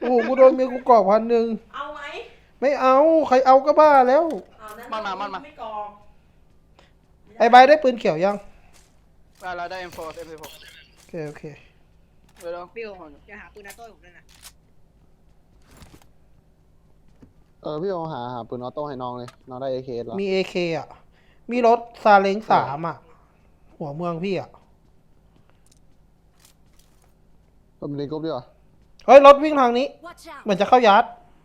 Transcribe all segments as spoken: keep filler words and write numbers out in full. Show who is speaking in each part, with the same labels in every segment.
Speaker 1: โอ้โหกูโดนเมียกูกรอกพันหนึ่ง
Speaker 2: เอาไหม
Speaker 1: ไม่เอาใครเอาก็บ้าแล้ว
Speaker 2: เอานั้น
Speaker 3: มันมามันมา
Speaker 2: ไม่กรอก
Speaker 1: ไอ้ใบได้ปืนเขียวยัง
Speaker 3: เราได้ เอ็ม โฟร์ เอ็ม สิบหก
Speaker 1: โอเคโอเค
Speaker 3: เดี๋ยว
Speaker 4: บิวจะหาปืนนาโต้ผมด้วยนะ
Speaker 5: เออพี่โอหาหาปืนออโต้ให้น้องเลยน้องได้เอเคแล้ว
Speaker 1: มีเอเคอ่ะมีรถซาเล้งสามอ่ะหัวเมืองพี่อ่ะ
Speaker 5: ก็เป็นกรุ๊ปดีกว่า
Speaker 1: เฮ้ยรถวิ่งทางนี้
Speaker 6: Watch
Speaker 1: เหมื
Speaker 6: out!
Speaker 1: อนจะเข้ายัด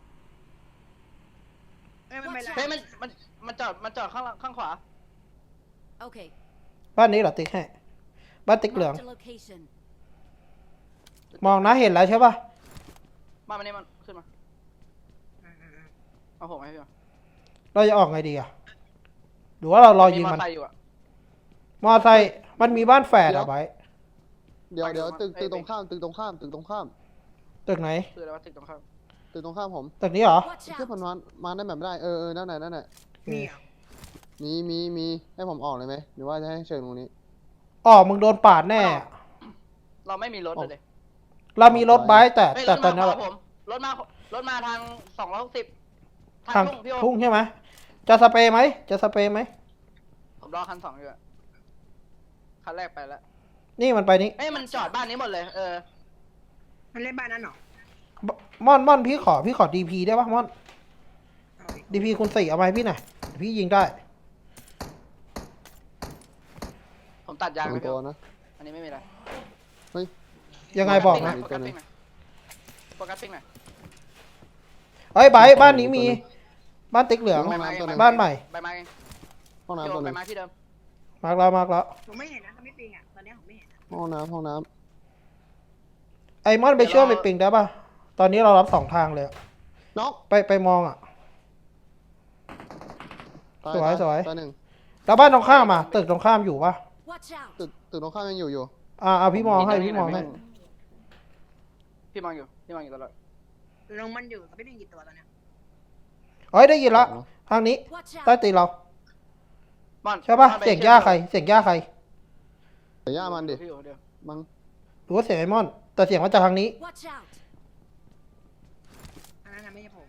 Speaker 4: เอ้ยมันไม่ไร
Speaker 3: เฮ้ยมันมันมันจอดมันจอดข้างหลังข้างขวา
Speaker 6: Okay.
Speaker 1: บ้านนี้เหรอติ๊กให้บ้านติ๊กเหลือง
Speaker 6: Marked a location.
Speaker 1: มองนะเห็นแล้วใช่ป่ะ
Speaker 3: มามันนี่มันขึ้นมาเอาผมให้พี่มา
Speaker 1: เราจะออกไงดีอ่ะหรือว่าเรารอยิง
Speaker 3: มอ
Speaker 1: มัน
Speaker 3: ไซค์อยู่อะ
Speaker 1: มอไซค์มันมีบ้านแฝดอ่ะไบ
Speaker 5: เดี๋ยวเดี๋ยว
Speaker 3: ไป
Speaker 5: ตึก
Speaker 3: ไป
Speaker 5: ตึกตรงข้ามตึกตรงข้ามตึกตรงข้าม
Speaker 1: ตึกไหน
Speaker 3: คืออะไรวะตึกตรงข้าม
Speaker 5: ตึกตรงข้ามผม
Speaker 1: ตึกนี้เหรอ
Speaker 6: Watch
Speaker 5: เชื่อพัน
Speaker 6: out!
Speaker 5: วันมาได้แบบไม่ได้เออเออนั่นไหนนั่นไหน
Speaker 4: มีอ่ะ
Speaker 5: มีมีมีให้ผมออกเลยไหมหรือว่าจะให้เชิญตรงนี้
Speaker 1: อ๋อมึงโดนปาดแน่
Speaker 3: เราไม่มีรถเลย
Speaker 1: เรามีรถไบค์แต่
Speaker 3: เฮ้ยร
Speaker 1: แต่
Speaker 3: ถ
Speaker 1: ตอ
Speaker 3: มาน ข
Speaker 1: นั้น
Speaker 3: วาผมรถมารถมาทางสองร้อยหกสิบทา
Speaker 1: ทาง
Speaker 3: งทุ่งพี่โอ
Speaker 1: ทุ่งใช่ไหมจะสเปรย์ไหมจะสเปรย์ไหม
Speaker 3: ผมรอคันสองอยู่อะคันแรกไปแล้ว
Speaker 1: นี่มันไปนี้
Speaker 3: เอ้ยมันจอดบ้านนี้หมดเลยเออ
Speaker 4: มันเล่นบ้านนั้นเหรอ
Speaker 1: ม่อนม่อนพี่ขอพี่ขอดีพีได้ปะม่อน
Speaker 4: เอาดิ
Speaker 1: ดีพีคุณสี่เอาไปพี่หน่อยเดี๋ยวพี่ยิงได้
Speaker 3: ผมตัดยาง
Speaker 5: สอ
Speaker 3: ไป
Speaker 5: ง
Speaker 3: พี่
Speaker 5: ตัว
Speaker 3: โอ
Speaker 5: นะ
Speaker 3: อันนี้ไม่มีอะไร
Speaker 5: เฮ้ย
Speaker 1: ยังไงบอกนะ
Speaker 3: โฟกัสปิ้งหน่อยโฟกัสปิ้งหน่อย
Speaker 1: เฮ้ยไบค์บ้านนี้มี บ้านติ๊กเหลือง
Speaker 5: ห้องน้ำตัวหนึง
Speaker 1: บ้านใหม่
Speaker 3: ใบไม้
Speaker 5: ห้อง
Speaker 3: พี่
Speaker 5: น้ำ
Speaker 3: โอ
Speaker 5: ตัวห
Speaker 3: ใบ
Speaker 5: นึง
Speaker 3: ไม้ที่เดิม
Speaker 1: มาร์กแล้วมาร์กแล้ว
Speaker 4: ผมไม่เห็นนะมันไม่ปิงอ่ะตอนนี้ผมไม่เห็นนะ
Speaker 5: ห้องน้ำห้องน้
Speaker 1: ไอ้ม่อนไปช่วยไปปิงได้ปะตอนนี้เรารับสองทางเลยอะ
Speaker 5: ำน็อก
Speaker 1: ไปไปมองอ่ะ
Speaker 5: ตา
Speaker 1: สวย
Speaker 5: ตา
Speaker 1: สวย
Speaker 5: ตาหนึ่ง
Speaker 1: แล้วบ้านตรงข้ามอ่ะตึกตรงข้ามอยู่ปะ
Speaker 6: Watch out!
Speaker 5: ตึกตึกตรงข้ามยังอยู่อยู่
Speaker 1: อ่าเอาพี่มองให้พี่มองให้
Speaker 3: พี่มองอยู่พี่มองอยู่ตลอด
Speaker 4: ลงมันอยู่กับไม่ปิงกี่ตัวตอนเนี้ย
Speaker 1: เฮ้ยได้ยินละทางนี้
Speaker 6: Watch
Speaker 1: ใต้
Speaker 6: out!
Speaker 1: ตีนเรา
Speaker 3: ม่อน
Speaker 1: ใช่ปะ
Speaker 3: ม่อนไป
Speaker 1: เสียงย่าใครเสียงย่าใคร
Speaker 5: แต่ย่ามันดิ
Speaker 3: พี่โอเดี๋ยว
Speaker 5: มั้ง
Speaker 1: หรือว่าเสียงไอ้ม่อน แต่เสียงมาจากทางนี้
Speaker 6: Watch out!
Speaker 4: อันนั้นนะไม่ใช่ผม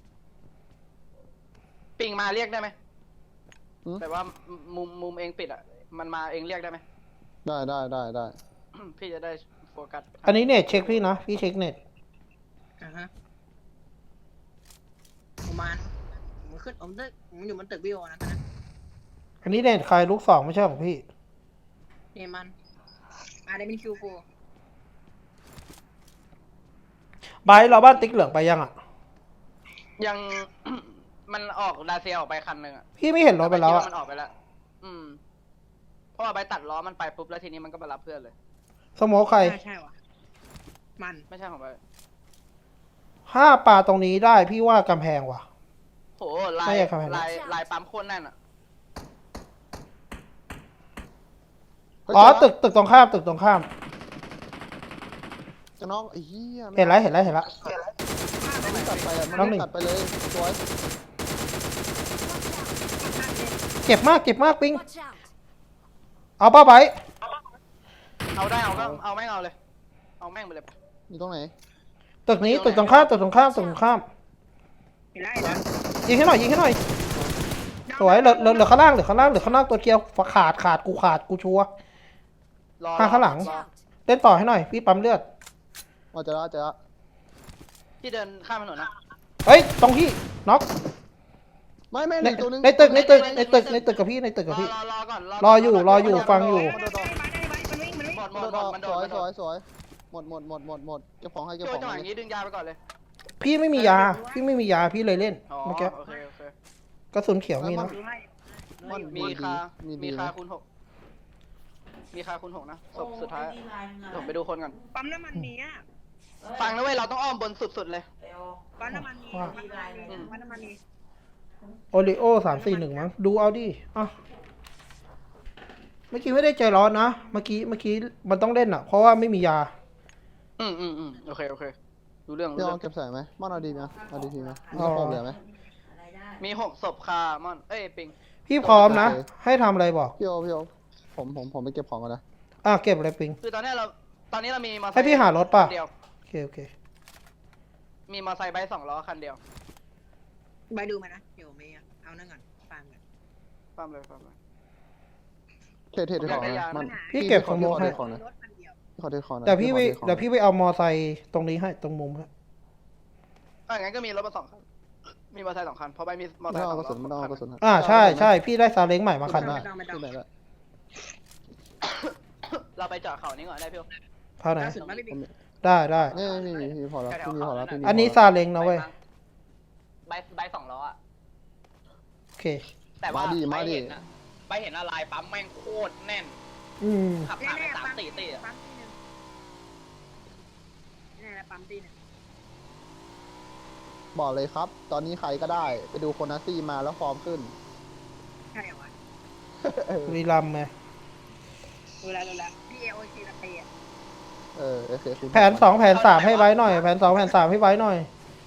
Speaker 3: ปิงมาเรียกได้ไหมแต่ว่ามุมมุมเองปิดอ่ะมันมาเองเรียกได้ไหม
Speaker 5: ได้ได้ได้ได้
Speaker 3: พี่จะได้โฟกัส
Speaker 1: อันนี้เน็ตเช็คพี่นะพี่เช็คเน็ต
Speaker 4: อ่าฮะประมาณผมขึ้นผมตึกผมอยู่บนตึกบิวนะตอนนั้น
Speaker 1: อันนี้เน็ตใครลูกสองไม่ใช่ของพี่
Speaker 4: นี่มันอ่าได้เป็นคิวโฟ
Speaker 1: ไบร์ทเราบ้านติ๊กเหลืองไปยังอ่ะ
Speaker 3: ยัง มันออกดาเซียออกไปคันหนึ่งอ่ะ
Speaker 1: พี่ไม่เห็นรถไปแล้ว
Speaker 3: คิด
Speaker 1: อ่ะ
Speaker 3: มันออกไปแล้ว อืมเพราะว่าไปตัดล้อมันไปปุ๊บแล้วทีนี้มันก็มารับเพื่อนเลย
Speaker 1: สโมคใคร
Speaker 4: ใช่ใช่วะมัน
Speaker 3: ไม่ใช่ของไป
Speaker 1: ห้าปลาตรงนี้ได้พี่ว่ากำแพงว่ะ
Speaker 3: โหลา
Speaker 1: ไม่
Speaker 3: ย
Speaker 1: อยากทำอะไร
Speaker 3: ลายลายปั๊มโคตรแน่นอ่ะ
Speaker 5: เฮ้ย
Speaker 1: อ๋อ
Speaker 5: เจ
Speaker 1: ตึกตึกตรงข้ามตึกตรงข้าม
Speaker 5: จะน้องไอ้เหี้ย
Speaker 1: เห็นแล้วเห็นแล้วเห็นแล้ว
Speaker 5: มันไม่ตัดไปอ่ะ
Speaker 1: น้
Speaker 5: มั
Speaker 1: อง
Speaker 5: น
Speaker 1: หนึ่ง
Speaker 5: ไม่ตัดไปเลยสวย
Speaker 1: เจ็บมากเจ็บมากปิง
Speaker 6: Watch out!
Speaker 1: เอาป้าไบร์ท
Speaker 3: เอาได้เอาก็เอาแม่งเอาเลย เอาแม่งไปเลย
Speaker 5: อยู่ตรงไหน
Speaker 1: ตึกนี้ตึกตรงข้ามตึกตรงข้ามตึกตรงข้าม
Speaker 4: เห็นแล้วเห็นแล้ว
Speaker 1: ยิงให้หน่อยยิงให้หน่อยสวยเหลือเหลือเหลือข้างล่างเหลือข้างล่างเหลือข้างล่างตัวเดียวขาดขาดกูขาดกูชัวร์
Speaker 3: รอ
Speaker 1: มาข้างหลัง
Speaker 6: Watch
Speaker 3: รอ
Speaker 6: out!
Speaker 1: เล่นต่อให้หน่อยพี่ปั๊มเลือด
Speaker 5: อ๋อเจอละเจอละ
Speaker 3: ที่เดินข้ามถนนนะ
Speaker 1: เฮ้ยตรงที่น็อก
Speaker 5: ไม่ไม่
Speaker 1: ใน
Speaker 5: อีกตัวนึง
Speaker 1: ในตึกในตึกในตึกในตึกกับพี่ในตึก
Speaker 3: ร
Speaker 1: กับ
Speaker 3: อ
Speaker 1: พี่
Speaker 3: รอรอก่อน
Speaker 1: รออยู่รออยู่ฟังอยู่
Speaker 4: ได้ได้ได้มันวิ่งมันวิ่ง
Speaker 3: หมดหม
Speaker 5: โด
Speaker 3: ด
Speaker 5: ด
Speaker 3: หม
Speaker 5: อ
Speaker 3: ด
Speaker 5: อก
Speaker 3: มันโด
Speaker 5: ส
Speaker 3: ด
Speaker 5: วย
Speaker 3: มันโด
Speaker 5: สว
Speaker 3: ด
Speaker 5: ยสวยหมดหมดหมดหมดหมดเก็บของให้เก็บ
Speaker 3: โจ
Speaker 5: ของ
Speaker 3: จังหวะ
Speaker 5: เล
Speaker 3: อย ย่างนี้ดึงยาไปก่อนเลย
Speaker 1: พี่ไม่มียา พี่ไม่มียาพี่เลยเล่น
Speaker 3: อ๋อ
Speaker 1: เมื่อกี้
Speaker 3: โอเคโอเค
Speaker 1: กระสุนเขียวมีนะ
Speaker 4: ดูให้
Speaker 5: มัน
Speaker 3: มีคา
Speaker 5: มี
Speaker 3: มี
Speaker 5: ดี
Speaker 3: คา
Speaker 5: นะ
Speaker 3: คูณหกมีคาคูณหกนะศพ
Speaker 2: โอ้
Speaker 3: สุดท้าย
Speaker 2: ดีไลน์มึงอะ
Speaker 3: ผมไปดูคนก่อน
Speaker 4: ปั๊มน้ำมันนี้อ่ะ
Speaker 2: เอ้ย
Speaker 3: ฟังนะเว้ยเราต้องอ้อมบนสุดๆเลย
Speaker 2: เดี๋ยว
Speaker 4: ปั๊มน้ำมันนี้
Speaker 1: ว่า
Speaker 4: ปั๊มน้ำมันนี้ปั๊มน้ำมันนี้
Speaker 1: โอริโอสามสี่หนึ่งมั้งดูเอาดิอ่ะเมื่อกี้ไม่ได้ใจร้อนนะเมื่อกี้เมื่อกี้มันต้องเล่นอ่ะ เพราะว่าไม่มียา
Speaker 3: อืมอืมอืมโอเคโอเครู้เรื่องรู้
Speaker 5: พี่
Speaker 3: เรื่
Speaker 5: เอา
Speaker 3: อง
Speaker 5: เก็บใส่ไหมม่อนเอาดีไหมเอาดีทีไหมมี
Speaker 1: อ๋อ
Speaker 5: กระโปรงเหลือไหม
Speaker 2: อะไรได้
Speaker 3: มีหกศพคามอนเอ้ยปิง
Speaker 1: พี่พร้อมนะ ให้ทำอะไรบอก
Speaker 5: พี่โอพี่โอผมผมผมไปเก็บของก่อนนะ
Speaker 1: อ่ะเก็บอะไรปิง
Speaker 3: คือตอนนี้เราตอนนี้เรามีมอเตอร์ไซค์
Speaker 1: ให้พี่หารถป่ะ
Speaker 3: เดียว
Speaker 1: โอเคโอเค
Speaker 3: มีมอไซค์ไบค์สองล้อคันเดียว
Speaker 4: ไปดูมานะเดี๋ยวไม่เอานั่งก่อนฟังก่อน
Speaker 3: ปั๊มเลยปั๊มเลย
Speaker 5: เทเทเทของนะมัน
Speaker 1: พี่เก็บของโม
Speaker 5: ขอ
Speaker 1: ให้
Speaker 5: เทของนะ
Speaker 4: รถคันเดียว
Speaker 5: ขอเทของนะ
Speaker 1: เดี๋ยวพี่ไป
Speaker 5: ขอทของ
Speaker 1: เดี๋ยวพี่ไปเอามอไซค์ตรงนี้ให้ตรงมุมฮะ
Speaker 3: อ่ะงั้นก็มีรถมาสองคัน มีมอเตอร์ไซค์สองคัน เพราะไปมีมอเตอ
Speaker 5: ไม่
Speaker 3: ร์ไซ
Speaker 5: ต้อ
Speaker 3: ค์
Speaker 5: ง
Speaker 3: ส
Speaker 5: เอา
Speaker 3: อง
Speaker 5: กระสุนไม่ต้อง
Speaker 3: ล้อ
Speaker 5: เอากระสุน
Speaker 1: อ่าใช่ใช่พี่ได้ซาเล้งใหม่มาคัน
Speaker 5: ได้
Speaker 1: นะ
Speaker 5: ที่ไหนละ
Speaker 3: เราไปจอดเขานี้ก่อนได้พี่โอ
Speaker 1: เท่าไหน
Speaker 4: ล่าสุดมาพี่บิ๊ก
Speaker 1: ได้ได้
Speaker 5: นี่นี่นี่พี่พอแล้วพี่มีพอแล้วพี่มี
Speaker 1: อันนี้
Speaker 5: พ
Speaker 1: ซาเล้งนะเว้ย
Speaker 3: ใบใบสองล้ออะ
Speaker 1: โอเค
Speaker 3: แต่ว่า
Speaker 5: มาดิ
Speaker 3: ใบ
Speaker 5: มาดิ
Speaker 3: เห็นอะใบเห็นอะไรปั๊มแม่งโคตรแน่น
Speaker 1: อืม
Speaker 3: ขับผ่านไปสามสี่ตีอะ
Speaker 4: ปั๊มตีหนึ่งนี่แหละปั๊มตีหนึ่ง
Speaker 5: บอกเลยครับ ตอนนี้ใครก็ได้ไปดูโคนาซี่มาแล้วฟอร์มขึ้น
Speaker 4: ใช่เหรอวะ
Speaker 5: เออ
Speaker 1: บุรีรัมย์ไง
Speaker 4: ดูแลดูแลพี่เอโอชีสเตย์
Speaker 5: เออโอเคคุณ
Speaker 1: แผนสองแผนสามให้ไว้หน่อย แผนสองแผนสามให้ไว้หน่อย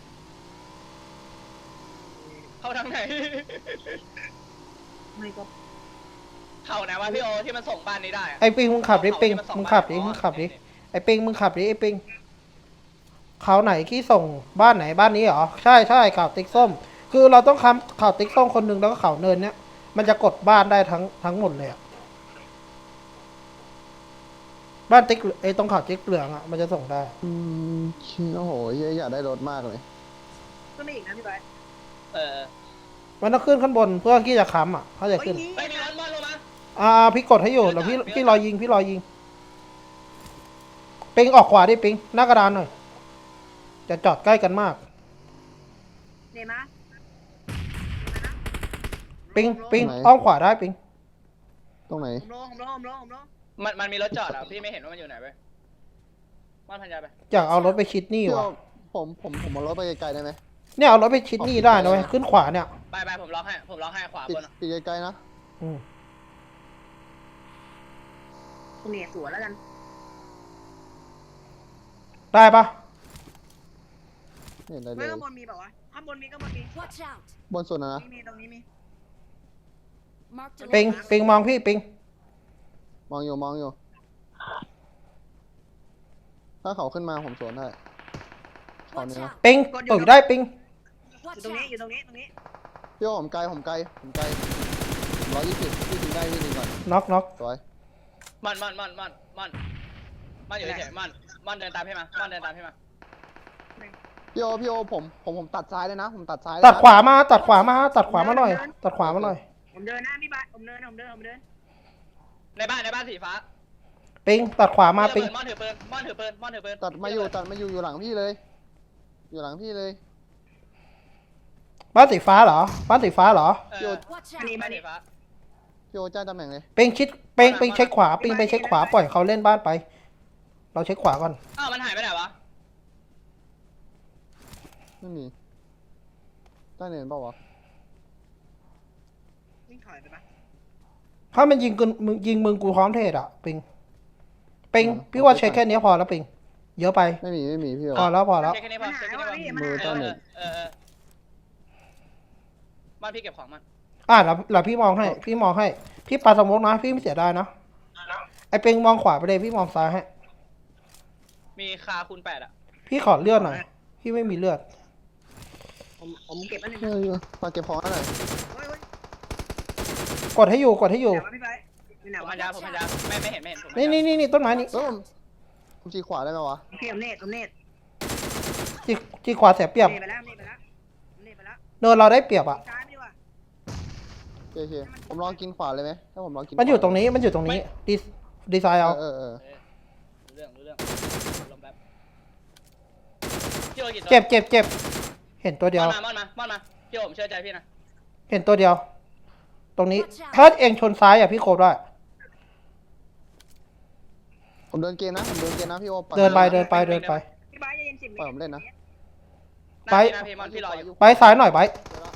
Speaker 3: เข้าทางไหน
Speaker 4: ไม่ก็
Speaker 3: เข้าไหนวะพี่โอที่มันส่งบ้านนี้ได้อะ
Speaker 1: ไอ้ปิงมึงขับดิปิง
Speaker 3: ที่นส่
Speaker 1: มึงขับดิ
Speaker 3: าน
Speaker 1: มึงขับดิ ไอ้ปิงมึงขับดิไอ้ปิงเขาไหนที่ส่งบ้านไหนบ้านนี้เหรอ ใช่ใช่ข่าวติ๊กส้ม คือเราต้องคำข่าวติ๊กส้มคนหนึ่งแล้วก็ข่าวเนินเนี้ย มันจะกดบ้านได้ทั้งทั้งหมดเลยอะบ้านติ๊กไอ้ตรงข่าวติ๊กเหลืองอะมันจะส่งได้
Speaker 5: อืมโอ้โหเหี้ยอยากได้รถมากเลย
Speaker 4: ก็ไม่อีกนะพี่บอย
Speaker 3: เออ
Speaker 1: มันต้องขึ้นข้างบนเพื่อที่จะค้ำอะเขาจะ
Speaker 4: โอ้ย
Speaker 1: ขึ้น
Speaker 4: นี่
Speaker 3: ไม่มีรถบอลลงมา
Speaker 1: อ่าพี่กดให้อยู่แล้วพี่พี่รอยิงพี่รอยิงปิงออกขวาดิปิงหน้ากระดานหน่อยจะจอดใกล้กันมาก
Speaker 4: เนมา
Speaker 1: ปิงปิงอ้อมขวาได้ปิง
Speaker 5: ตรงไหน
Speaker 4: ผมโลผมโลผมโลผมโล
Speaker 3: มันมันมีรถจอดอ่ะพี่ไม่เห็นว่ามันอยู่ไหนไปบ้านพันยาไป
Speaker 1: อยากเอารถไปชิดนี่
Speaker 5: พี่
Speaker 1: ว่ะ
Speaker 5: ว่าผมผมผมเอารถไปไกลๆได้ไหม
Speaker 1: เนี่ยเอารถไปชิดนี่ได้นะเว้ยขึ้นขวาเนี่ย
Speaker 3: ไปไปผมล็อกให้ผมล็อกให้ขวา
Speaker 5: ปิด
Speaker 3: บนอะ
Speaker 5: ปิดไกลๆนะ
Speaker 1: อืม
Speaker 4: คุณเนี่ยสวนแล้วกัน
Speaker 1: ได้ปะ
Speaker 5: ไม่เห็นอะไรเล
Speaker 4: ไม่
Speaker 5: ย
Speaker 4: ข้างบนมีแบบวะข้างบนมีข้างบนมี
Speaker 6: Watch out!
Speaker 5: บนสุดนะนะ
Speaker 4: มีมีตรงนี้มี
Speaker 6: Marked a
Speaker 1: ปิง
Speaker 6: location.
Speaker 1: ปิงมองพี่ปิง
Speaker 5: มองอยู่มองอยู่ ถ้าเขาขึ้นมาผมสวนได้
Speaker 6: Watch
Speaker 5: Còn nữa.
Speaker 6: out!
Speaker 1: ปิงตุ๋ยได้ปิง
Speaker 4: อยู่
Speaker 6: Watch
Speaker 4: ตรงนี้
Speaker 6: out!
Speaker 4: อยู่ตรงนี้ตรงนี้
Speaker 5: พี่ว่าผมไกลผมไกลผมไกลร้อยยี่สิบพี่ถึงได้พี่ถึงก่อน
Speaker 1: น็อกน็อก
Speaker 5: สวย
Speaker 3: มันมันมันมันมันมันอยู่เฉยๆมันมันเดินตามพี่มามันเดินตามพี่มา
Speaker 5: พี่โอพี่โอผมผมผมตัดซ้ายเลยนะ ผมตัดซ้ายเลย
Speaker 1: ตัด
Speaker 5: นะ
Speaker 1: ขวามาตัดขวามาตัดขวามาหน่อย ตัดขวามาหน่อย
Speaker 4: ผมเดินหน้าพี่บอยผมเดินผมเดินผมเดิน
Speaker 3: ในบ้านในบ้านสีฟ้า
Speaker 1: ปิงตัดขวามาปิง
Speaker 3: มอนถือปืนมอนถือปืนมอนถือปืน
Speaker 5: ตัดมาอยู่ตัดมาอยู่อยู่หลังพี่เลย อยู่หลังพี่เลย
Speaker 1: บ้านสีฟ้าเหรอบ้านสีฟ้าเหรอ
Speaker 3: เออ
Speaker 6: Watch
Speaker 4: อันนี้
Speaker 6: out!
Speaker 4: มา
Speaker 3: บ้าน
Speaker 4: ดิ
Speaker 3: สีฟ้า
Speaker 5: พี่โอจ้างตำแหน่งเลย
Speaker 1: ปิงชิดปิงปิงเช็คขวาปิงไปเช็คขวาปล่อยเขาเล่นบ้านไป เราเช็คขวาก่อน
Speaker 3: อ้าวมันหายไปไหนวะ
Speaker 5: ไม่มีใต้เนินเปล่าวะ
Speaker 4: วิ่งถอยไปปะ
Speaker 1: ถ้ามันยิงกูมึงยิงมึงกูพร้อมเทศอ่ะปิงปิงพี่ว่าเช็คแค่นี้พอแล้วปิงเยอะไป
Speaker 5: ไม่มีไม่มีพี่โอ
Speaker 1: พอแล้วพอแล้ว
Speaker 3: เช็คแค่นี้พ
Speaker 4: มั
Speaker 3: อน
Speaker 4: หา
Speaker 3: เช็ค
Speaker 4: ย
Speaker 3: แค่
Speaker 4: ว่ะ
Speaker 3: นี้
Speaker 4: พี่
Speaker 3: พอ
Speaker 4: มันหาย
Speaker 5: มือ
Speaker 3: เอ
Speaker 4: ว่ะ
Speaker 3: อเออเออบ้านพี่เก็บของมัน
Speaker 1: อ่ะแล้วแล้วพี่มองให้ พี่มองให้ พี่ปาสมมตินะ พี่ไม่เสียดายนะไอ้ปิงมองขวาไปเลยพี่มองซ้ายให้
Speaker 3: มีคาคูณแปดอ่ะ
Speaker 1: พี่ขอเลือดหน่อย พี่ไม่มีเลือด
Speaker 4: ผมผมเก็บอันหนึ่ง
Speaker 5: เฮ้ยฝากเก็บของหน่อย
Speaker 4: โอ้ยโอ้ย
Speaker 1: กดให้อยู่กดให้อยู่
Speaker 4: ไหนวะพี่บอยอยู่ไหน
Speaker 3: ผม
Speaker 4: วะ
Speaker 3: พันยาผมพันยาไม่ไม่เห็นไม่เห็นผม
Speaker 1: นี่นี่นี่นี่ต้นไม้นี่
Speaker 5: เออผมผมชี้ขวาได้ไหมวะ
Speaker 4: โอเคผมเนตผมเนต
Speaker 1: จีจีขวาเสียเปรียบ
Speaker 4: เนตไปแล้วเนตไปแล้วเนตไปแล้ว
Speaker 1: เนินเราได้เปรียบอ่ะ
Speaker 4: ซ้ายไม่ดีกว่า
Speaker 5: โอเคโอเคผมลองกินขวาเลยไหมถ้าผมลองกิน
Speaker 1: มันอยู่ตรงนี้มันอยู่ตรงนี้ดีดีไซน์เอา
Speaker 5: เออเออ
Speaker 3: เออรู้เรื่องรู้เรื่องลมแป๊บพี่โอกี่ตัว
Speaker 1: เจ็บเจ็บเจ็บเห็นตัวเดียว
Speaker 3: มอนมามอนมามอนมาพี่โอผมเชื่อใจพี่นะ
Speaker 1: เห็นตัวเดียว ตรงนี้ ถ้าเองชนซ้ายอ่ะพี่โคบได้
Speaker 5: ผมเดินเกมนะผมเดินเกมนะพี่โอ
Speaker 1: เดินไปเดินไปเดินไป
Speaker 4: พี่บอยจะเย็นสิบเม
Speaker 5: ปล่อย
Speaker 4: ต
Speaker 5: ผม
Speaker 4: ร
Speaker 5: เล่นนะ
Speaker 3: หน้า
Speaker 1: ไป
Speaker 3: พี่หน้าพี่มอนพี่รออยู่
Speaker 1: ไปซ้ายหน่อยไป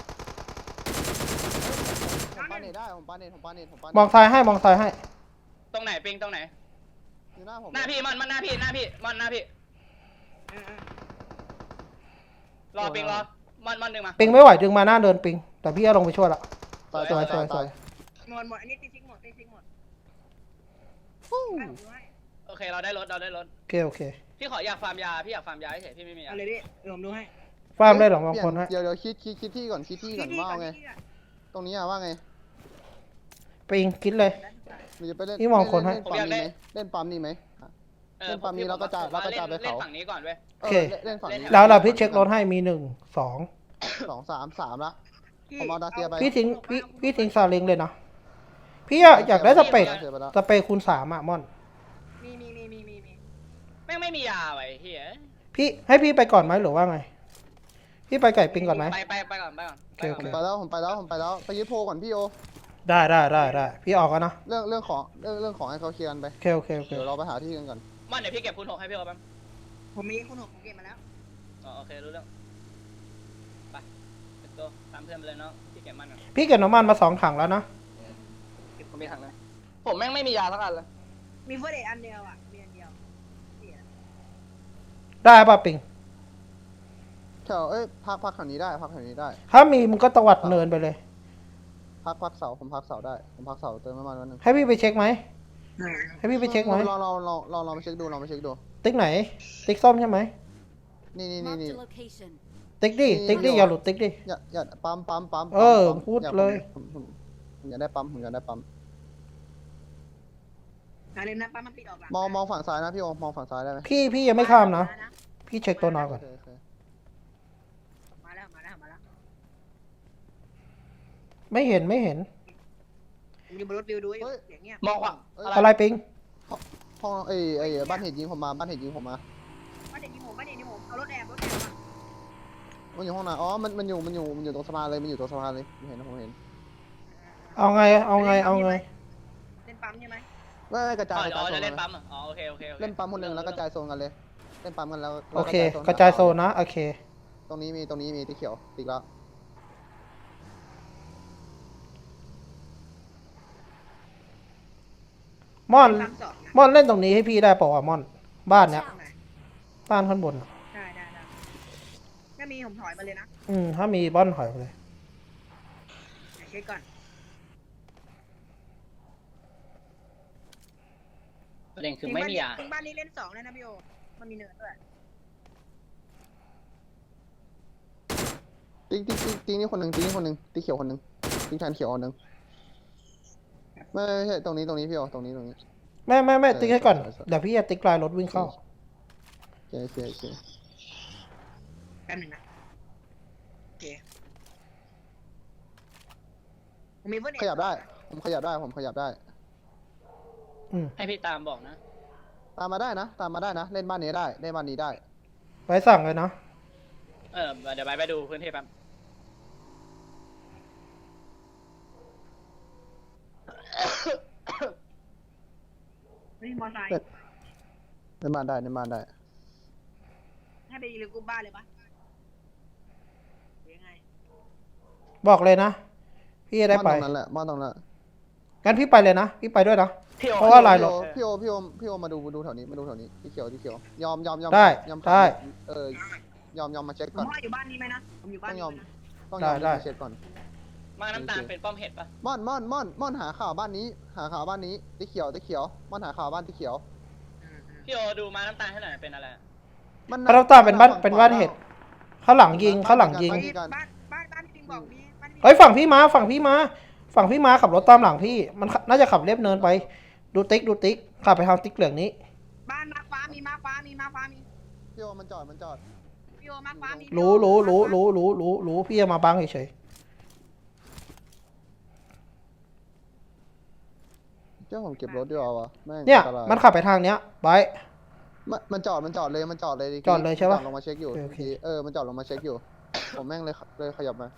Speaker 5: ผมปาเน็ตได้ผมปาเน็ตผมปาเน็ตผมปาเน็ต
Speaker 1: มองซ้ายให้มองซ้ายให้
Speaker 3: ตรงไหนปิงตรงไหน
Speaker 5: อยู่หน้าผม
Speaker 3: หน้าพี่มอนมันหน้าพี่หน้าพี่มอนหน้าพี่
Speaker 4: เออเออ
Speaker 3: รอปิงรอมอนมอนดึงมา
Speaker 1: ปิงไม่ไหวดึงมาหน้าเดินปิง แต่พี่จะลงไปช่วยละ
Speaker 5: ตาย
Speaker 1: สวย
Speaker 5: ตาย
Speaker 1: สวยส
Speaker 5: ตา
Speaker 1: วย ย
Speaker 4: หมดหมดอันนี้ตีซิกหมดตีซิกหมด
Speaker 5: ฟู้
Speaker 4: ให้ผมดูให้
Speaker 3: โอเคเราได้รถเราได้รถ
Speaker 1: โอเคโอเค
Speaker 3: พี่ขออยากฟาร์มยาพี่อยากฟาร์มยาเฉยพี่ไม่มียา
Speaker 4: เอาเลยพี่เดี๋ยวผมดูให้
Speaker 1: ฟาร์มได้หรอมองคน
Speaker 5: เปลี่
Speaker 1: ให้
Speaker 5: ยนเดี๋ยวเดี๋ยวคิดคิดคิดที่ก่อนคิดที่ก่อน
Speaker 4: ที่
Speaker 5: ว่า
Speaker 4: ก่อน
Speaker 5: ไง
Speaker 4: ที่ก่อน
Speaker 5: ตรงนี้อะว่าไง
Speaker 1: ปิงคิดเลย
Speaker 5: หรือจะไปเล่น
Speaker 1: นี่มองคนให้
Speaker 5: เล่นปั๊มนี้ไหมเล่นปั๊มนี้ไหม
Speaker 3: ออ
Speaker 5: เล่นปั๊มนี้
Speaker 3: ผม
Speaker 5: แล้วก็จ่าย
Speaker 3: ผมว่
Speaker 5: แล้วก็จ่ายไป
Speaker 3: เล่น
Speaker 5: เขา
Speaker 3: เล่นฝั่งนี้ก่อนเว้ย
Speaker 1: โอเค
Speaker 5: เล่นฝั่งนี้
Speaker 1: แล้วเราพี่เช็ครถให้มีหนึ่งสอง
Speaker 5: สองสามสามละ ผมเอาดาเซียไป
Speaker 1: พี่ทิ้งพี่พี่ทิ้งซาเล้งเลยนะพี่อะอยากได้สเปรย์
Speaker 5: เสียไปแล้ว
Speaker 1: สเปรย์คูณสามอะม่อน
Speaker 4: มีมีมีมีมีมี
Speaker 3: แม่งไม่มียาไว้เฮีย
Speaker 1: พี่ให้พี่ไปก่อนไหมหรือว่าไง พี่ไปไก่ปิงก่อนไหม
Speaker 3: ไปไปไปก่อนไปก่อน
Speaker 1: โอเคโอ
Speaker 5: ผ
Speaker 1: เค
Speaker 5: มไปแล้วผมไปแล้วผมไปแล้วไปยึดโพก่อนพี่โอ
Speaker 1: ได้ได้ได้ได้พี่ออกกันนะ
Speaker 5: เรื่องเรื่องของเรื่องเรื่องของให้เขาเคลียร์กันไป
Speaker 1: โอเคโอเคโอเค
Speaker 5: เดี๋ยวเราไปหาที่กันก่อน
Speaker 3: มันเดี๋ยวพี่เก็บคูณหกให้พี่โอแป๊บ
Speaker 4: ผมมีคุณหกผมเก็บมาแล้ว
Speaker 3: อ๋อโอเครู้เรื่องไป let's go ตามเพื่อนไปเลยเนาะพี่เก็บมันก่อน
Speaker 1: พี่เก็บน้ำมันมาสองถังแล้วนะ
Speaker 3: ผมมีถังเลยผมแม่งไม่มียาสักอันเลย
Speaker 4: มีเฟอร์เดทอันเดียวอ่ะมีอันเดียวเสีย
Speaker 1: ได้ป่ะปิง
Speaker 5: แถวเอ้ยพักพักแถวนี้ได้พักแถวนี้ได้
Speaker 1: ถ้ามีมึงก็ตวัดเนินไปเลย
Speaker 5: พักพักเสาผมพักเสาได้ผมพักเสาเติมน้ำมันวันหนึง
Speaker 1: ให้พี่ไปเช็คไหม
Speaker 4: อ่า
Speaker 1: ให้พี่ไปเช็คไหม
Speaker 5: ลองลองลองลองลองไปเช็คดูลองไปเช็คดู
Speaker 1: ติ๊กไหน ติ๊กส้มใช่ไหม
Speaker 5: นี่นี่นี่
Speaker 6: Marked
Speaker 5: นี่
Speaker 6: a location.
Speaker 1: ติ๊กดิติ๊กดิอย่าหลุดติ๊กดิ
Speaker 5: อย่าอย่าปั๊มปั๊มปั๊ม
Speaker 1: เออ
Speaker 5: ปั๊ม
Speaker 1: พูด
Speaker 5: อา
Speaker 1: เลย
Speaker 5: ผมผมผมอยากได้ปั๊มผมอยากได้ปั๊ม
Speaker 4: อย่าลืมนะป้ามันปิดออกหลัง
Speaker 5: มองมองฝั่งซ้ายนะพี่โอมองฝั่งซ้ายได้ไหม
Speaker 1: พี่พี่ยังไม่ข้ามนะ พี่เช็คตัวนอนก่อน
Speaker 5: โอเคโอเค
Speaker 4: มาแล้วมาแล้วมาแล้ว
Speaker 1: ไม่เห็นไม่เห็น
Speaker 4: ผมอยู่บนรถวิวดูอยู่อย่างเงี้ย
Speaker 3: มองขวา
Speaker 5: เอ้ย
Speaker 1: อะไรปิง
Speaker 5: ห้องไอ้ไอ้บ้านเห็ดยิงผมมาบ้านเห็ดยิงผมมา
Speaker 4: บ้านเด็กยิงผมบ้านเด็กยิงผมเอารถแอบรถแอบมา
Speaker 5: มันอยู่ห้องไหนอ๋อมันมันอยู่มันอยู่มันอยู่ตรงสะพานเลยมันอยู่ตรงสะพานเลยผมเห็นนะผมเห็น
Speaker 1: เอาไงเอาไงเอาไง
Speaker 4: เล่นปั๊มใช่ไหม
Speaker 5: ไม่ไม่กระจาย
Speaker 3: อ๋อก
Speaker 5: ระจายโซ
Speaker 3: จะ
Speaker 5: น
Speaker 3: เล่น
Speaker 5: กัน
Speaker 3: ปั๊มเหรออ๋อโอเคโอเคโอเค
Speaker 5: เล่นปั๊มคนหนึ่งแล้วกระจายโซนกันเลยเล่นปั๊มกันแล้ว
Speaker 1: โอเค
Speaker 5: แล้ว
Speaker 1: กระจายโซนนะโอเค
Speaker 5: ตรงนี้มีตรงนี้มีที่เขียวติ๊กแล้ว
Speaker 1: ม่อน
Speaker 4: ปั๊มสองนะ
Speaker 1: ม่อนเล่นตรงนี้ให้พี่ได้เปล่าวะม่อน บ้านเนี้ย
Speaker 4: ตรงไหน
Speaker 1: บ้านข้างบนอะ
Speaker 4: ได้ได้ได้ถ้ามีผมถอยมาเลยนะ
Speaker 1: อืมถ้ามีบ้อนถอยไปเลย
Speaker 4: เดี๋ยวเช็คก่อน
Speaker 3: ประเด็นคือไม่มียา
Speaker 4: ถึงบ้านนี้เล่นสองเลยนะพี่โอมันมีเนินด้วย
Speaker 5: ติ๊กติ๊กติ๊กติ๊กนี่คนหนึ่งติ๊กนี่คนหนึ่งติ๊กเขียวคนหนึ่งติ๊กแทนเขียวคนหนึ่งไม่ไม่ใช่ตรงนี้ตรงนี้พี่โอตรงนี้ตรงนี้
Speaker 1: ไม่ไม่ไม่ติ๊กให้ก่อน
Speaker 5: ใช่ใช่
Speaker 1: เดี๋ยวพี่จะติ๊กลายรถวิ่งเข้า
Speaker 5: โอเคโอเคโอเค
Speaker 4: แป๊บหนึงนะโอเคผมมีเฟอร์เดท
Speaker 5: ขยับได้ ผมขยับได้ผมขยับได้
Speaker 1: อืม
Speaker 3: ให้พี่ตามบอกนะ
Speaker 5: ตามมาได้นะ ตามมาได้นะ เล่นบ้านนี้ได้เล่นบ้านนี้ได้
Speaker 1: ไว้สั่งเลยนะ
Speaker 3: เออเดี๋ยวไปไปดูพื้นที่แป๊บ
Speaker 4: มีมอเตอร์ไซค์
Speaker 5: เล่นบ้านได้เล่นบ้านได้
Speaker 4: ให้ไปรีกูบ้านเลยปะหรือยังไง
Speaker 1: บอกเลยนะ พี่จะได้ไป
Speaker 5: บ้านตรงนั้นแหละบ้านตรงนั้น
Speaker 1: งั้นพี่ไปเลยนะ พี่ไปด้วยนะ
Speaker 3: พี่โอ
Speaker 1: เพราะว่าลายรถ
Speaker 5: พี่โอพี่โอพี่โอมาดูมาดูแถวนี้มาดูแถวนี้ที่เขียวที่เขียวยอมยอมยอม
Speaker 1: ได้
Speaker 5: ยอม
Speaker 1: ได้
Speaker 5: เออยอมยอมมาเช็ค
Speaker 4: ผม
Speaker 5: ก่อน
Speaker 4: ว่าอยู่บ้านนี้ไหมนะผมอยู่บ้าน
Speaker 5: ต้องย
Speaker 4: นี้
Speaker 5: อม
Speaker 4: ไหมนะ
Speaker 5: ต้องยอม
Speaker 1: ได้
Speaker 5: มาเช็คก่อน
Speaker 3: มาน้ำตาลเป็นป้อมเห็ดปะ
Speaker 5: ม่อนม่อนม่อนม่อนหาข่าวบ้านนี้ หาข่าวบ้านนี้ที่เขียวที่เขียวม่อนหาข่าวบ้านที่เขียว
Speaker 4: อืมอืม
Speaker 3: พี่โอดูมาน้ำตาลให้หน่อยเป็นอะไร
Speaker 5: มัน
Speaker 1: พระน้ำตาลเป็นบ้านเป็นบ้านเห็ด ข้างหลังยิงข้างหลังยิง
Speaker 4: บ้านบ้านบ้านบ้านที่ปิงบอกมีบ้านที่ปิง
Speaker 1: เฮ้ยฝั่งพี่มาฝั่งพี่มา ฝั่งพี่มาขับรถตามหลังพี่ มันน่าจะขับเรียบเนินไป ดูติ๊กดูติ๊กขับไปทางติ๊กเหลืองนี้
Speaker 4: บ้านมาฟ้ามีมาฟ้ามีมาฟ้ามี
Speaker 5: พี่โอมันจอดมันจอด
Speaker 4: พี่โอมาฟ้ามี
Speaker 1: รู้รู้รู้รู้รู้รู้รู้พี่จะมาบังเฉย
Speaker 5: เจ้าผมเก็บรถดีกว่าวะแม่ง
Speaker 1: ๆเนี่ย
Speaker 5: อัตราย
Speaker 1: มันขับไปทางเนี้ยไป
Speaker 5: มันมันจอดมันจอดเลยมันจอดเลย
Speaker 1: จอดเลยใช่ปะ
Speaker 5: มันจอดลงมาเช็คอยู่
Speaker 1: โอเคโอเค
Speaker 5: เออมันจอดลงมาเช็คอยู่ ผมแม่งเลยเลยขยับมา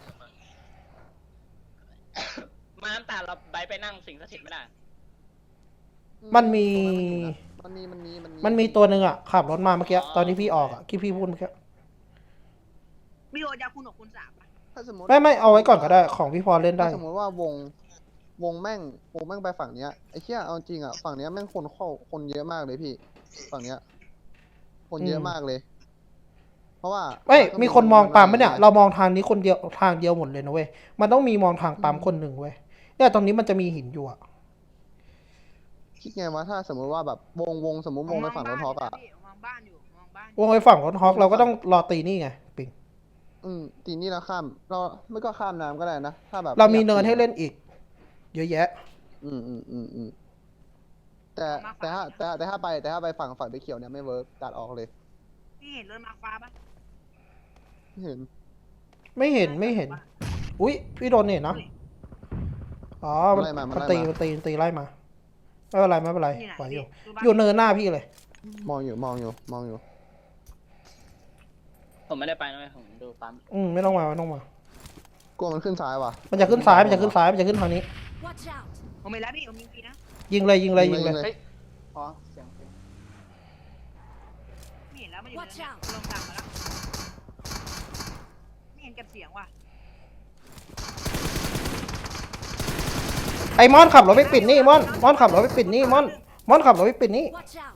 Speaker 3: มาน้ำตาลเราไปไปนั่งสิงสถิตไม่ได้
Speaker 1: มันมี
Speaker 5: มันมีมันมีมันมี
Speaker 1: มันมีตัวหนึ่งอ่ะขับรถมาเมื่อกี้ตอนที่พี่ออกอ่ะที่พี่พูดเมื่อกี้
Speaker 4: พี่โอจะคุณหกคุณสามปะ
Speaker 5: ถ้าสมมติ
Speaker 1: ไม่ไม่เอาไว้ก่อนก็ได้ของพี่พอเล่นได้
Speaker 5: ถ้าสมมติว่าวงวงแม่งวงแม่งไปฝั่งเนี้ยไอ้เชี่ยเอาจริงอ่ะฝั่งเนี้ยแม่งคนเข้าคนเยอะมากเลยพี่ ฝั่งเนี้ย คนเยอะมากเลย เพราะว่า
Speaker 1: เอ้ยมีคนมองปั๊มไหมเนี่ยเรามองทางนี้คนเดียวทางเดียวหมดเลยนะเว้ยมันต้องมีมองทางปั๊มคนหนึ่งเว้ยเนี่ยตรงนี้มันจะมีหินอยู่อ่ะ
Speaker 5: คิดไงวะถ้าสมมติว่าแบบวงวงสมมติวงไปฝั่งรถท็อกอ่ะ
Speaker 4: มองบ้านอยู่มองบ้าน
Speaker 1: วงไปฝั่งรถฮอกเราก็ต้องรอตีนี่ไงปิง
Speaker 5: อืมตีนี่แล้วข้าม เราไม่ก็ข้ามน้ำก็ได้นะ ถ้าแบบ
Speaker 1: เรามี
Speaker 5: อยก
Speaker 1: เนินให้
Speaker 5: ตี
Speaker 1: เล่นอีก เยอะแยะ
Speaker 5: อืมอืมอืมอืมแต่แต่ถ้าแต่แต่ถ้าไปแต่ถ้าไปฝั่งฝั่งไปเขียวเนี่ยไม่เวิร์กตัดออกเลย
Speaker 4: พี่เห็นรถมาฟ้าปะ
Speaker 5: ไม่เห็น
Speaker 1: ไม่เห็นไม่เห็น อุ้ยพี่โดนเนี่ยเนาะอ๋อมัน
Speaker 5: ไล่มามัน
Speaker 1: มัน
Speaker 5: ไล่
Speaker 1: ตี
Speaker 5: มา
Speaker 1: มันตีมันตีไล่มาไม่เป็นไรไม่เป็นไร
Speaker 4: นี่ไหน
Speaker 1: ไหวอยู่
Speaker 4: ดูบ้าน
Speaker 1: อยู่เนินหน้าพี่เลย
Speaker 5: มองอยู่มองอยู่มองอยู่
Speaker 3: ผมไม่ได้ไปนะเว้ยผมดูปั๊ม
Speaker 1: อืมไม่ต้องมาไม่ต้องมา
Speaker 5: กลัวมันขึ้นซ้ายว่ะ
Speaker 1: มันจะขึ้นซ้ายมันจะขึ้นซ้ายมันจะขึ้นทางนี้
Speaker 6: Watch out!
Speaker 4: ผมไม่แล้วพี่ผมยิงปีนะ
Speaker 1: ยิงเลยยิงเลยยิงเลย
Speaker 3: เฮ้ยอ๋อเสียงเสียง
Speaker 4: ไม่เห็นแล้วมันอยู่
Speaker 6: Watch
Speaker 4: ใน
Speaker 6: out
Speaker 4: ลงต่ำมาแล้วไม่เห็นเก็บเสียงว่ะ
Speaker 1: ไอ้มอนขับรถไปปิดนี่มอนมอนขับรถไปปิดนี่มอนมอนขับรถไปปิดนี่
Speaker 6: Watch out!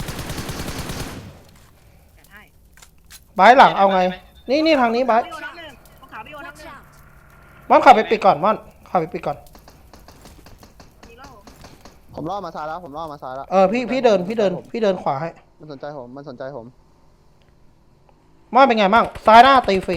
Speaker 4: จัดให้
Speaker 1: บายหลังเอาไง นี่นี่ทางนี้บาย
Speaker 4: พี่โอนับหนึ่งของขาวพี่โอนับห
Speaker 6: Watch
Speaker 4: นึ่ง
Speaker 6: out!
Speaker 1: มอนขับไปปิดก่อนมอนขับไปปิดก่อน
Speaker 4: มีแล้วผม
Speaker 5: ผมล่อมาซ้ายแล้ว ผมล่อมาซ้ายแล้ว
Speaker 1: เออพี่พี่เดินพี่เดินพี่เดินขวาให้
Speaker 5: มันสนใจผม มันสนใจผม
Speaker 1: มอนเป็นไงบ้างซ้ายหน้าตีฟรี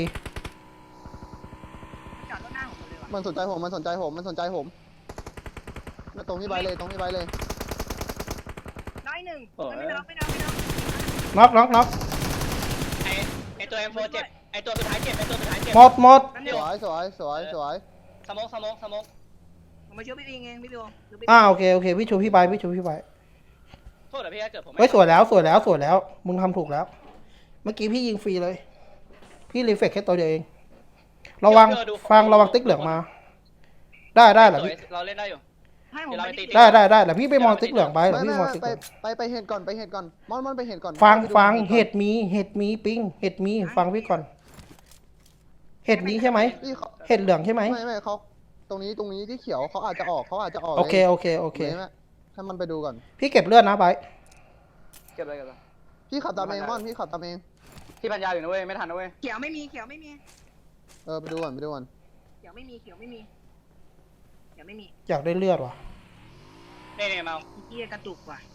Speaker 4: จอดรถหน้าผมเลยว่ะ
Speaker 5: มันสนใจผม มันสนใจผม มันสนใจผมแล้วตรงที่ใบเลย ตรงที่ใบเลย
Speaker 4: น้อยหนึ่งมันไม่น็อกไม่น็อกไม่น็อก
Speaker 1: น็อกน็อกน็อก
Speaker 3: ไอไอตัว เอ็ม โฟร์ เจ็บไอตัวสุดท้ายเจ็บไอตัวสุดท้ายเจ็บ
Speaker 1: หมดหมด
Speaker 4: มัน
Speaker 5: ส
Speaker 4: เดียว
Speaker 5: วยสวยสวยสวย
Speaker 3: สโมกสโมกสโมก
Speaker 4: ผมมาช่วยพี่ปิงเองพี่ปิงหรือพี่
Speaker 1: อ่าโอเคโอเคพี่ชูพี่บายพี่ชูพี่บาย
Speaker 3: โทษเหรอพี่ถ้าเกิดผมไม่
Speaker 1: เฮ้ยสวยแล้วสวยแล้วสวยแล้ว มึงทำถูกแล้ว เมื่อกี้พี่ยิงฟรีเลย พี่รีเฟกแค่ตัวเดียวเอง ระวังฟังระวังติ๊กเหลืองมา ได้ได้เหรอ
Speaker 3: สวย
Speaker 1: พี่
Speaker 3: เราเล่นได้อยู่
Speaker 4: ให้ผม
Speaker 3: เดี๋ยวเรา
Speaker 4: ไป
Speaker 3: ไปตี
Speaker 4: ตี
Speaker 1: ได้ได้ได้แต่พี่ไปมองติ๊กเหลืองไปเหรอ
Speaker 5: ไม่
Speaker 1: พี่
Speaker 5: ไม่
Speaker 1: มอง
Speaker 5: ไม่
Speaker 1: ติ๊ก
Speaker 5: ไป
Speaker 1: เหลือง
Speaker 5: ไปไปเห็ดก่อน ไปเห็ดก่อน มอนมอนไปเห็ดก่อน
Speaker 1: ฟัง
Speaker 5: ไปดู
Speaker 1: ฟัง
Speaker 5: ก่อน
Speaker 1: เห็ดมีเห็ดมีปิงเห็ดมีฟังพี่ก่อน เห็ดนี้ใช่ไหม
Speaker 5: พี่เขา
Speaker 1: เห็ดเหลืองใช่ไหม
Speaker 5: ไม่ไม่เขาตรงนี้ตรงนี้ที่เขียวเขาอาจจะออกเขาอาจจะออก
Speaker 1: โอเค
Speaker 5: ลย
Speaker 1: โอเคโอเค
Speaker 5: ห็นไหมให้มันไปดูก่อน
Speaker 1: พี่เก็บเลือดนะไบร์ท
Speaker 3: เก็บเลยเก็บเลย
Speaker 5: พี่ขับตามเองมอนพี่ขับตามเอง
Speaker 3: ที่พันยาอยู่นะเว้ยไม่ทันนะเว้ย
Speaker 4: เขียวไม่มีเขียวไม่มี
Speaker 5: เออไปดูก่อนไปดูก่อน
Speaker 4: เขียวไม่มีเขียวไม่มีเขียวไม่มี
Speaker 1: อยากได้เลือดว่ะ
Speaker 3: นี่นี่เมา
Speaker 4: เกียกระตุกว่ะ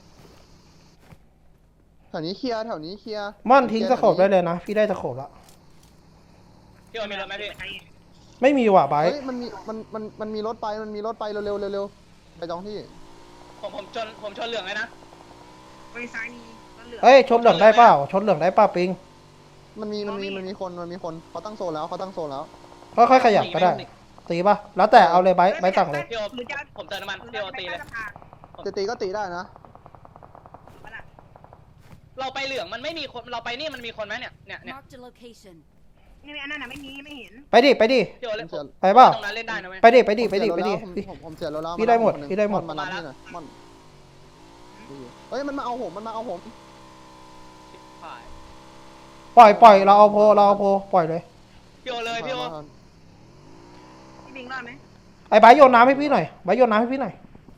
Speaker 5: แถวนี้เคลียร์แถวนี้เคลียร์
Speaker 1: ม่อนทิ้งสโคปได้เลยนะ พี่ได้สโคปแล้ว
Speaker 3: พี่โอมีรถไหมพี่
Speaker 1: ไม่มีว่ะไบร์ท
Speaker 5: เฮ้ยมันมีมันมันมันมีรถไปมันมีรถไปเร็วเร็วเร็วเร็วไปจองที่
Speaker 3: ผมผมชนผมชนเหลืองเลยนะ
Speaker 4: ไปซ้ายมีรถเหลือง
Speaker 1: เฮ้ยชนเหลืองได้เปล่าชนเหลืองได้เปล่าปิง
Speaker 5: มันมีมันมีมันมีคนมันมีคนเขาตั้งโซนแล้วเขาตั้งโซนแล้ว
Speaker 1: ค่อยๆขยับก็ได้ ตีป่ะแล้วแต่เอาเลยไบร์ทไบร์ทสั่งเลย
Speaker 3: พี่โอ
Speaker 4: หรือจะ
Speaker 3: ผมเติมน้ำมัน
Speaker 4: หรือ
Speaker 3: พี่โอ
Speaker 4: จะไป
Speaker 3: ตี
Speaker 4: ใต้
Speaker 3: เลย
Speaker 4: สะพาน
Speaker 5: จะตีก็ตีได้นะ
Speaker 4: มาละ
Speaker 3: เราไปเหลืองมันไม่มีคนเราไปนี่มันมีคนไหมเนี่ยเนี่ยเนี่ย
Speaker 6: Marked a location.
Speaker 4: นี่อันนั้นน่ะไม่มีไม่เห็น
Speaker 1: ไปดิไปดิ
Speaker 3: พี่โอเล่น
Speaker 5: ผมเสีย
Speaker 1: ไปเปล่า
Speaker 3: ตรงนั้นเล่นได้นะเว้ย
Speaker 1: ไปดิไปดิไปดิไปดิ
Speaker 5: ผม
Speaker 1: พี่
Speaker 5: ผมผมเสียแล้วแล้ว
Speaker 1: พี่ได้หมด
Speaker 5: าคนนึ่ง
Speaker 1: พี่ได้หมด
Speaker 5: อนมารับนี่หน่อยมอนเฮ้ยมันมาเอาผมมันมาเอาผม
Speaker 3: ผ่าน
Speaker 1: ปล่อยปล่อยเราเอาโพเราเอาโพปล่อยเลย
Speaker 3: พี่โอเลยพี่โอ
Speaker 4: พี่บิงรอดไหม
Speaker 1: ไอ้ไบร์ทโยนน้ำให้พี่หน่อยไบร์ทโยนน้ำให้พี่หน่อย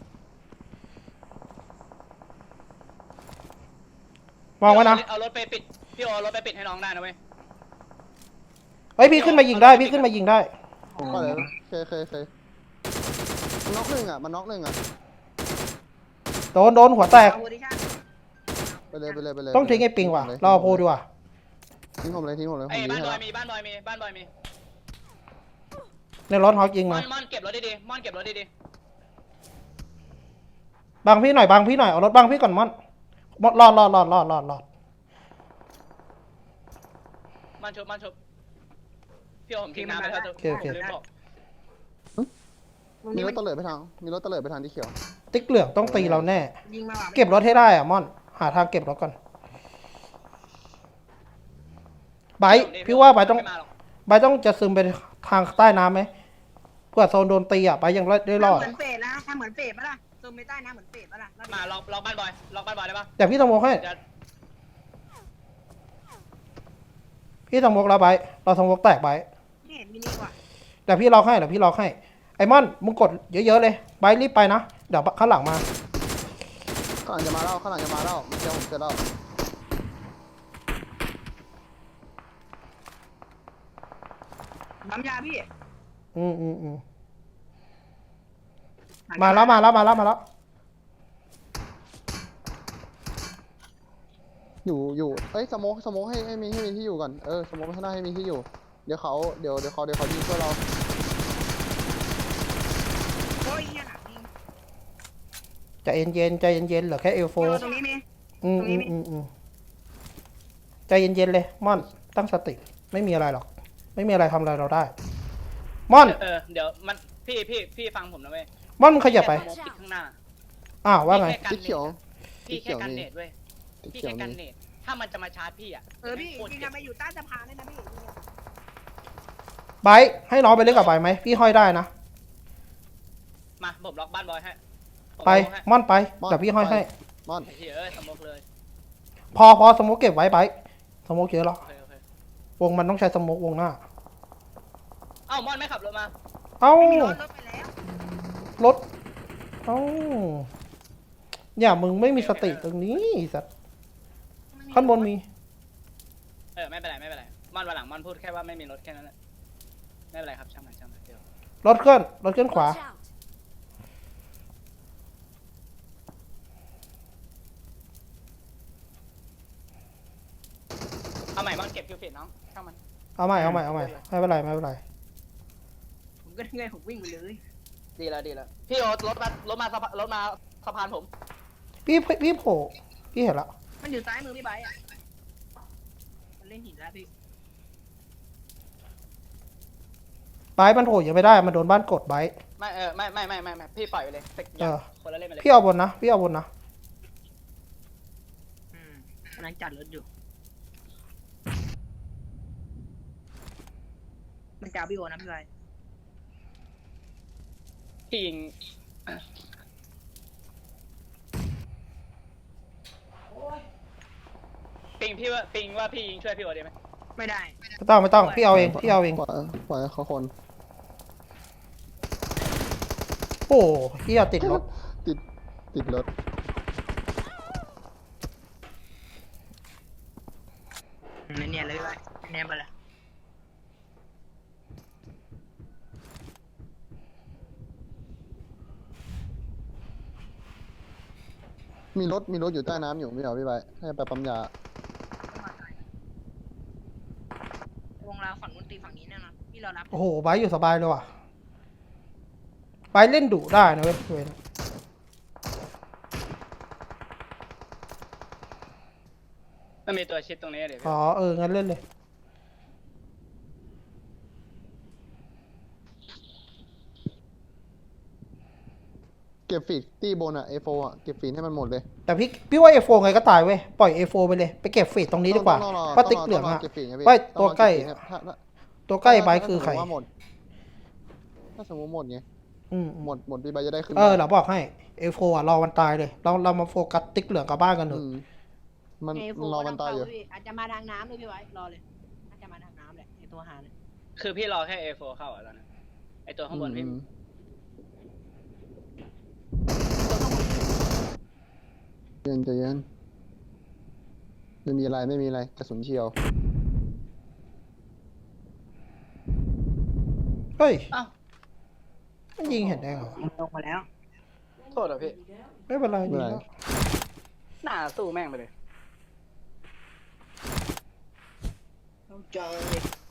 Speaker 1: มองไว้นะ
Speaker 3: เอารถไปปิดพี่โอเอารถไปปิดให้น้องได้นะเว้ย
Speaker 1: เฮ้ยพี่ขึ้นมายิงได้พี่ขึ้นมายิงได้
Speaker 5: ก็เลยเคยเคยเคยมันน็อกหนึ่งอ่ะมันน็อกหนึ่งอ่ะ
Speaker 1: โดนโดนหัวแตก
Speaker 4: เอาโพซิชั่น
Speaker 5: ไปเลยไปเลยไปเลย
Speaker 1: ต้องทิ้งไอ้ปิงว่ะเราเอาโพดีกว่า
Speaker 5: ทิ้งผมเลยทิ้งผมเลยผ
Speaker 3: ไอ้
Speaker 5: ม
Speaker 3: บ้าน
Speaker 5: ให้
Speaker 3: บอ
Speaker 5: แล้
Speaker 3: ยว มีบ้านบอยมีบ้านบอยมี
Speaker 1: ในรถฮอกยิง
Speaker 3: มอ
Speaker 1: มาน
Speaker 3: มอนเก็บรถดีๆมอนเก็บรถดี
Speaker 1: บังพี่หน่อยบังพี่หน่อยเอารถบังพี่ก่อนมอนมดรอดรอดรอดรอดรอดรอด
Speaker 3: ๆมันชุบมันชุบพี่โอผมทิ้งน้ำไปเถอะลืมบอก
Speaker 5: มีรถตะเลิดไปทางมีรถตะเลิดไปทางที่เขียว
Speaker 1: ติ๊กเหลืองต้องตีเราแน่
Speaker 4: ยิงมาว่ะ
Speaker 1: เก็บรถให้ได้อะมอน หาทางเก็บรถก่อนไบร์ทพี่ว่าไบร์ทต้อง
Speaker 3: ม่มาหรก
Speaker 1: ไบร์ทต้องจะซึมไปทางใต้น้ำไหมเพื่อโซนโดนตีอ่ะไบร์ทยังได้รอด
Speaker 4: เหมือนเฟดนะทำเหมือนเฟดปะล่ะโซนไปใต้น้ำเหมือนเฟดปะล่ะ
Speaker 3: มาล็อกล็อกบ้านบอยล็อกบ้านบอยได้ปะ
Speaker 1: แต่พี่ต้องโมกให้
Speaker 3: จะ
Speaker 1: พี่ต้องโมกแล้วไบร์ทเราต้องโมกแตกไบร์ท
Speaker 4: ไม่เห็นมินิว่ะ
Speaker 1: แต่พี่ล็อกให้เดี๋ยวพี่ล็อกให้ไอ้มอนมึงกดเยอะๆเลยไบร์ทรีบไปนะเดี๋ยวข้างหลังมา
Speaker 5: ข้างหลังจะมาแล้วข้างหลังจะมาแล้วเจอผมเจอแล้ว
Speaker 4: น้ำยาพี่
Speaker 1: อืมอืมอืมมาแล้วมาแล้วมาแล้วมาแล้ว
Speaker 5: อยู่อยู่เอ้ยสโมกสโมกให้ให้มีให้มีที่อยู่ก่อนเออสโมกไปข้างหน้าให้มีที่อยู่เดี๋ยวเขาเดี๋ยวเดี๋ยวเขาเดี๋ยวเขายิงเพื่อเรา
Speaker 4: โอ้ยเหี้ยหนักจริง
Speaker 1: ใจเย็นๆใจเย็นๆเหลือแค่เอลโฟ
Speaker 4: โยตรงนี้มี
Speaker 1: อืม
Speaker 4: ตรงนี้
Speaker 1: อืม
Speaker 4: มี
Speaker 1: อืมอืมใจเย็นๆเลยม่อนตั้งสติไม่มีอะไรหรอก ไม่มีอะไรทำอะไรเราได้ม่อน
Speaker 2: เออเดี๋ยวมันพี่พี่พี่ฟังผมนะเว้ย
Speaker 1: ม่อนมึงขยับไป
Speaker 2: แค่สโมกปิดข้างหน้า
Speaker 1: อ้าวว่าไง
Speaker 2: พี่แค่กัน
Speaker 5: ติ๊กเขียว
Speaker 2: พี่
Speaker 5: ติ๊ก
Speaker 2: แค่
Speaker 5: เขียว
Speaker 2: กัน
Speaker 5: มี
Speaker 2: เนตเว้ย
Speaker 5: ติ๊ก
Speaker 2: พี่
Speaker 5: เขีย
Speaker 2: แค่
Speaker 5: ว
Speaker 2: กัน
Speaker 5: มี
Speaker 2: เนตถ้ามันจะมาชาร์จพี่อ่ะ
Speaker 4: เออพี่
Speaker 2: โคตร
Speaker 4: ยิง
Speaker 2: เจ็
Speaker 4: กับ นไปอยู่ใต้สะพานเลยนะพี่
Speaker 1: ไบร์ทให้น้องไปเล่นกับไบร์ทไหมพี่ห้อยได้นะ
Speaker 2: มาผมล็อกบ้านบอยให้ผม
Speaker 1: ไป
Speaker 2: ล็อกให้
Speaker 1: ม่อนไป
Speaker 5: ม่อน
Speaker 1: เดี๋ยวพี่ห้อย
Speaker 5: ไป
Speaker 1: ให้
Speaker 5: มอน
Speaker 2: ไอ้เหี้ยเอ้ยสโมกเลย
Speaker 1: พอพอสโมกเก็บไว้ไบร์ทสโมกเยอะหรอ
Speaker 2: โอเคโอเคว
Speaker 1: งมันต้องใช้สโมกวงหน้า
Speaker 2: เอ้ามอนไม่ขับรถมา
Speaker 1: เอ้า
Speaker 4: ไม่มีรถรถไปแล้ว
Speaker 1: รถเอ้าอย่ามึงไม่มีสติตรงนี้ไอ้สัตว์ข้างบนมี
Speaker 2: เออไม่เป็นไรไม่เป็นไรมอนวันหลังมอนพูดแค่ว่าไม่มีรถแค่นั้นแหละไม่เป็นไรครับช่างมันช่างมันเดี๋ยว
Speaker 1: รถเคลื่อนรถเคลื่อนขวา
Speaker 6: Watch out!
Speaker 2: เอาใหม่มอนเก็บคิวฟิตน้องช่างมัน
Speaker 1: เอาใหม่เอาใหม่เอาใหม่ไม่เป็นไรไม่เป็นไร
Speaker 4: ผมก็เงยผมวิ่งไปเลย
Speaker 2: ดีแล้วดีแล้วพี่โอ๊ตรถมารถมาสะพานรถมาสะพานผม
Speaker 1: พี่พี่โผล่พี่เห็นละ
Speaker 4: มันอยู่ซ้ายมือพี่ไบร์ทอ่ะมันเล่นหินแล้วพี่
Speaker 1: ไบร์ทมันโผล่ยังไม่ได้มันโดนบ้านกดไบร์ท
Speaker 2: ไม่เออไม่ไม่ไม่ไม่ไม่พี่ปล่อยไปเลยเป็น
Speaker 1: เออ
Speaker 2: คนละเล่นไปเลย
Speaker 1: พี่เอาบนนะพี่เอาบนนะ
Speaker 4: อืมกำลังจัดรถอยู่มันจะเอาพี่โอนะพี่ไบร์ท
Speaker 2: พี่ยิงปิงพี่ว่าปิงว่าพี่ยิงช่วยพี่โอ๊ตได้ไหม
Speaker 4: ไม่ได้
Speaker 1: ไม่ต้องไม่ต้องพี่เอาเองพี่เอาเอง
Speaker 5: ปล่อยปล่อยให้เขาคน
Speaker 1: โอ้พี่เอาติดรถ
Speaker 5: ติดติดรถ
Speaker 4: เนียนๆเลยพี่ไบร์ทเนียนไปเลย
Speaker 5: มีรถมีรถอยู่ใต้น้ำอยู่ไม่เหรอพี่ใบให้ไปปั๊มยา
Speaker 4: วงเราฝั่งนู้นตีฝั่งนี้แน่นอนพี่เรารับ
Speaker 1: โอ้โหไบร์ทอยู่สบายเลยว่ะไบร์ทเล่นดุได้นะเว้ยเว้ย
Speaker 2: มันมีตัวชิดตรงนี้เดี๋ยว
Speaker 1: อ๋อเอองั้นเล่นเลย
Speaker 5: เก็บฟีดตี้บนอะเอโฟอะเก็บฟีดให้มันหมดเลย
Speaker 1: แต่พี่พี่ว่าเอโฟไงก็ตายเว้ยปล่อยเอโฟไปเลยไปเก็บฟีดตรงนี้ดีกว่า
Speaker 5: ต้องรอ
Speaker 1: ป้าติ๊ก
Speaker 5: ต้
Speaker 1: เหลือง
Speaker 5: ร
Speaker 1: อะ
Speaker 5: เก็บฟีดไงพี่
Speaker 1: ไม่
Speaker 5: อง
Speaker 1: ตัว
Speaker 5: รอ
Speaker 1: ใกล้
Speaker 5: เก็บฟีดถ้าถ้า
Speaker 1: ตัวใกล้ไบร์ทคือใคร
Speaker 5: ถ้าสมมติว่าหมดถ้าสมมติหมดไง
Speaker 1: อืม
Speaker 5: หมดหมดพี่ใบจะได้ขึ้น
Speaker 1: เออเราบอกให้เอโฟอ่ะรอวันตายเลยเราเรามาโฟกัสติ๊กเหลืองกับบ้านกันเถ
Speaker 5: อื
Speaker 1: อะ
Speaker 5: มมัน
Speaker 4: เอโฟ
Speaker 5: มันรอมันตายอยู่
Speaker 4: พี่อาจจะมาทางน้ำเลยพี่ไว้รอเลยอาจจะมาทางน้ำแหละไอตัวหาเนี่ย
Speaker 2: คือพี่รอแค่ เอ โฟร์ เข้าอ่ะตอนนั้นไอตัวข้างบนพี่
Speaker 5: อืมเย็นใจเย็นไม่มีอะไรไม่มีอะไรกระสุนเฉียว
Speaker 1: เฮ้ย
Speaker 2: อ้าว
Speaker 1: มันยิงเห็นได้เหรอ
Speaker 4: ลงมาแล้ว
Speaker 2: โทษเหรอพี่
Speaker 1: ไม่เป็นไร
Speaker 5: ไม่เป็นไร
Speaker 1: ดีแล้ว
Speaker 2: หน้าสู้แม่งไปเลย
Speaker 4: ต้องเจอ